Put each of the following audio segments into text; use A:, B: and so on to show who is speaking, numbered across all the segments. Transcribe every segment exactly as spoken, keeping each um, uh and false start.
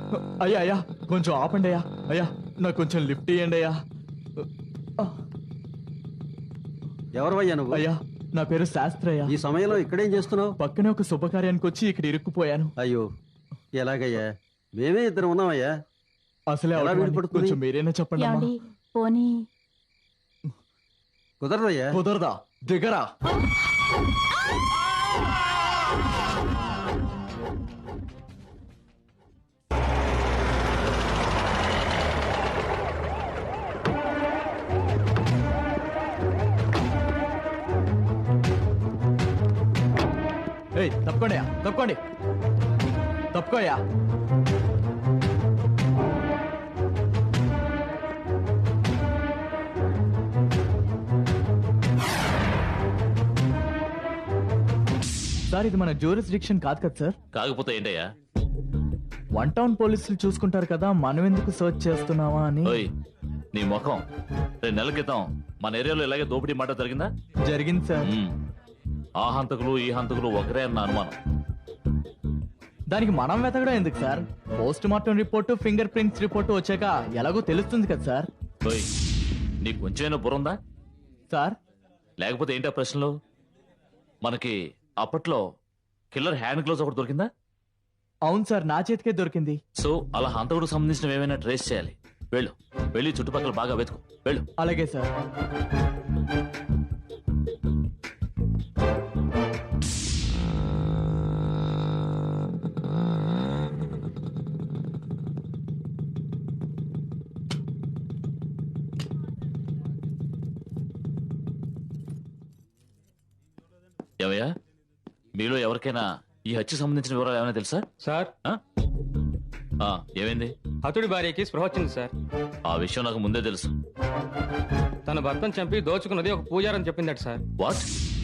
A: అయ్యా అయ్యా కొంచెం ఆపండి అయ్యా. అయ్యా నాకు కొంచెం లిఫ్ట్ ఇవ్వండి అయ్యా.
B: ఎవరివయ్యా నువ్వు?
A: అయ్యా నా పేరు శాస్త్రయ్య.
B: ఈ సమయంలో ఇక్కడేం చేస్తున్నావు?
A: పక్కనే ఒక శుభకార్యానికి వచ్చి ఇక్కడ ఇరుక్కుపోయాను.
B: అయ్యో ఎలాగయ్యా? మేమే ఇద్దరు ఉన్నామయ్యా.
A: అసలే
B: ఎలా
A: అవసరం
B: వీలుపడుతుంది?
A: కొంచెం మీరేనా చెప్పండి అమ్మా.
C: ఏమండి పోనీ
B: కుదరదయ్యా.
A: కుదరదా? దిగరా. ఏయ్ తప్పుకోండి తప్పుకోండి తప్పుకోయా. సార్ ఇది మన జ్యూరిస్డిక్షన్ కాదు కదా సార్.
D: కాకపోతే ఏంటయ్యా?
A: వన్ టౌన్ పోలీసులు చూసుకుంటారు కదా, మనం ఎందుకు సర్చ్ చేస్తున్నావా అని.
D: ఓయ్ నీ ముఖం, రెండు నెలల క్రితం మన ఏరియాలో ఇలాగే దోపిడీ మాట జరిగిందా?
A: జరిగింది సార్.
D: మ్మ్. ఆ హంతకులు ఈ హంతకులు ఒకరే అన్న అనుమానం.
A: దానికి మనం వెతకడం ఎందుకు sir? Post mortem report, finger prints report వచ్చాక ఎలాగో తెలుస్తుంది కదా సార్.
D: ఓయ్ నీకు కొంచెమైనా బుర్రుందా?
A: సార్
D: లేకపోతే ఏంటా ప్రశ్నలు? మనకి అప్పట్లో కిల్లర్ హ్యాండ్ గ్లోవ్స్ ఒకటి దొరికిందా?
A: అవును సార్, నా చేతికే దొరికింది.
D: సో అలా హంతకుడికి సంబంధించిన ఏమైనా ట్రేస్ చేయాలి. వెళ్ళు, వెళ్ళి చుట్టుపక్కల బాగా వెతుకు. వెళ్ళు.
A: అలాగే సార్.
D: ఏమయ్యా, మీలో ఎవరికైనా ఈ హత్యకు సంబంధించిన వివరాలు ఏమైనా తెలుసా?
E: సార్
D: ఆ? ఆ, ఏమైంది?
E: హతుడి భార్యకి స్పృహ వచ్చింది సార్.
D: ఆ విషయం నాకు ముందే తెలుసు.
E: తన భర్తను చంపి దోచుకున్నది ఒక పూజారని చెప్పిందట సార్.
D: వాట్?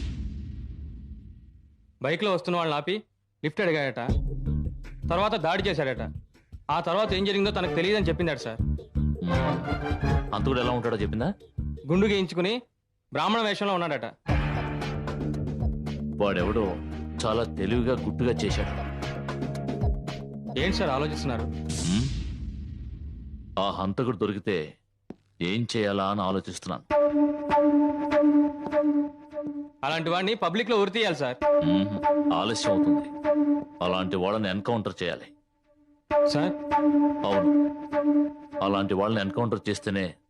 E: బైక్ లో వస్తున్న వాళ్ళని ఆపి లిఫ్ట్ అడిగాడట. తర్వాత దాడి చేశాడట. ఆ తర్వాత ఏం జరిగిందో తనకు తెలియదని చెప్పిందట సార్.
D: హంతకుడు ఎలా ఉంటాడో చెప్పిందా?
E: గుండు గీయించుకుని బ్రాహ్మణ వేషంలో ఉన్నాడట.
D: వాడెవడో చాలా తెలివిగా గుట్టుగా చేశాడు.
E: ఏంటి సార్ ఆలోచిస్తున్నారు?
D: హ్మ్? ఆ హంతకుడు దొరికితే ఏం చేయాలా అని ఆలోచిస్తున్నాను.
E: అలాంటి వాడిని పబ్లిక్ లో ఉరి తీయాలి సార్.
D: మ్మ్. ఆలస్యం అవుతుంది. అలాంటి వాళ్ళని ఎన్కౌంటర్ చేయాలి.
E: సార్
D: అవును, అలాంటి వాళ్ళని ఎన్కౌంటర్ చేస్తేనే